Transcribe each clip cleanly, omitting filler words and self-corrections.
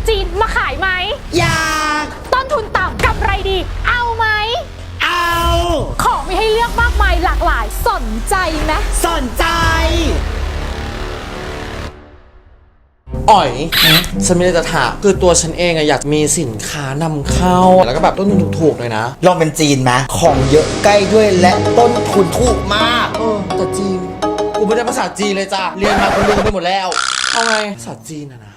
จีนมาขายไหมอยากต้นทุนต่ำกำไรดีเอาไหมเอาของมีให้เลือกมากมายหลากหลายสนใจไหมสนใจอ๋อยฉันไม่ได้จะถามคือตัวฉันเองอะอยากมีสินค้านำเข้าแล้วก็แบบต้นทุนถูกๆเลยนะลองเป็นจีนไหมของเยอะใกล้ด้วยและต้นทุนถูกมากแต่จีนกูไม่ได้ภาษาจีนเลยจ้ะเรียนมากูลืมไปหมดแล้วเอาไงภาษาจีนนะ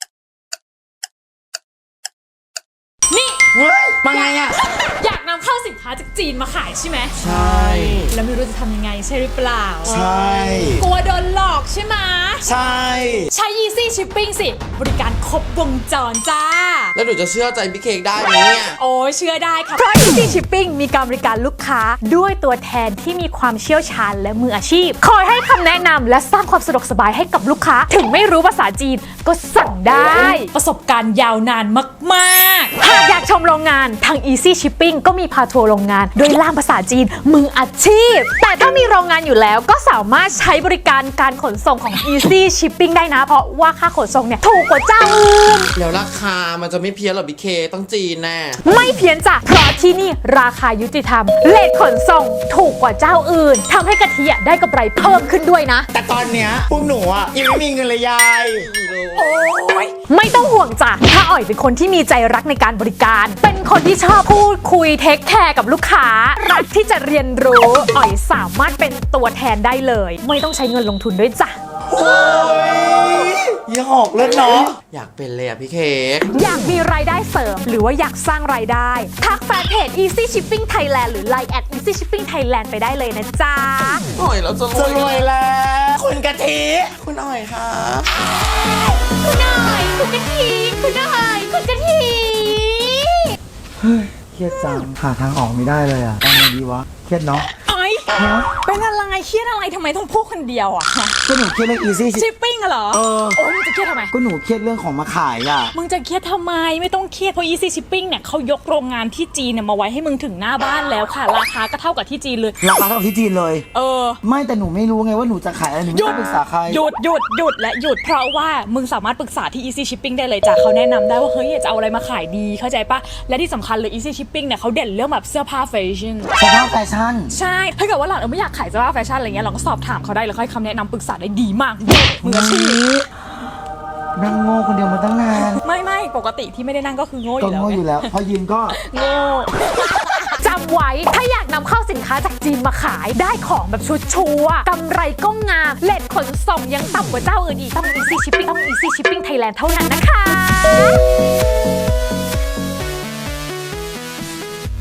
นี่มาไงอะอยากนำเข้าสินค้าจากจีนมาขายใช่ไหมใช่แล้วไม่รู้จะทำยังไงใช่หรือเปล่าใช่กลัวโดนหลอกใช่ไหมใช่ใช้ Easy Shipping สิบริการครบวงจรจ้าแล้วหนูจะเชื่อใจพี่เค้กได้ไหมเนี่ยโอ้เชื่อได้ค่ะเพราะ Easy Shipping มีการบริการลูกค้าด้วยตัวแทนที่มีความเชี่ยวชาญและมืออาชีพคอยให้คำแนะนำและสร้างความสะดวกสบายให้กับลูกค้าถึงไม่รู้ภาษาจีนก็สั่งได้ประสบการณ์ยาวนานมากๆหากอยากชมโรงงานทาง Easy Shipping ก็มีพาทัวร์โรงงานโดยล่ามภาษาจีนมืออาชีพแต่ถ้ามีโรงงานอยู่แล้วก็สามารถใช้บริการการขนส่งของ Easy Shipping ได้นะเพราะว่าค่าขนส่งเนี่ยถูกกว่าเจ้าอื่นแล้วราคามันจะไม่เพี้ยนหรอพี่เคต้องจีนแน่ไม่เพี้ยนจ้ะเพราะที่นี่ราคายุติธรรมเลทขนส่งถูกกว่าเจ้าอื่นทำให้กะทิได้กำไรเพิ่มขึ้นด้วยนะแต่ตอนเนี้ยพวกหนูอ่ะยังไม่มีเงินเลยยายโอ้ยไม่ต้องห่วงจ้ะถ้าอ๋อยเป็นคนที่มีใจรักในการบริการเป็นคนที่ชอบพูดคุยเทคแคร์กับลูกค้ารักที่จะเรียนรู้อ๋อยสามารถเป็นตัวแทนได้เลยไม่ต้องใช้เงินลงทุนด้วยจ้ะโอ้ยอย่าหอกเล่นเนาะอยากเป็นเลยอะพี่เค้กอยากมีรายได้เสริมหรือว่าอยากสร้างรายได้ทักแฟนเพจ Easy Shipping Thailand หรือ Line @Easy Shipping Thailand ไปได้เลยนะจ๊ะอ๋อยเราจะรวยแล้วคุณกะทิคุณอ๋อยค่ะคุณอ๋อยคุณกะทิคุณอ๋อยคุณกะทิเฮ้ยเครียดจังหาทางออกไม่ได้เลยอ่ะทำไงดีวะเครียดเนาะเป็นอะไรเครียดอะไรทำไมต้องพูดคนเดียวอ่ะก็หนูเครียดเรื่อง Easy Shipping เหรอโอ้ยมึงจะเครียดทำไมก็หนูเครียดเรื่องของมาขายอ่ะมึงจะเครียดทำไมไม่ต้องเครียดเพราะ Easy Shipping เนี่ยเขายกโรงงานที่จีนเนี่ยมาไว้ให้มึงถึงหน้าบ้านแล้วค่ะราคาก็เท่ากับที่จีนเลยราคาเท่ากับที่จีนเลยไม่แต่หนูไม่รู้ไงว่าหนูจะขายอะไรหนูไม่ต้องปรึกษาใครหยุดและหยุดเพราะว่ามึงสามารถปรึกษาที่ Easy Shipping ได้เลยจ้ะเขาแนะนำได้ว่าเฮ้ยจะเอาอะไรมาขายดีเข้าใจปะและที่สำคัญเลย Easy Shipping เนี่ยเขาเด่นเรื่องแบบเสื้อผ้าแฟชั่นใช่ถ้าเกิดว่าเราไม่อยากขายเสื้อผ้าแฟชั่นอะไรเงี้ยเราก็สอบถามเขาได้แล้วค่อยคำแนะนำปรึกษาได้ดีมากมืออาชีพนั่งโง่คนเดียวมาตั้งนานไม่ปกติที่ไม่ได้นั่งก็คือโง่อยู่แล้วก็โง่อยู่แล้วพอยืนก็โง่จำไว้ถ้าอยากนำเข้าสินค้าจากจีนมาขายได้ของแบบชุดชัวร์กำไรก็งามเลทขนส่งยังต่ำกว่าเจ้าอื่นอีกต้อง Easy Shipping Thailand เท่านั้นนะคะ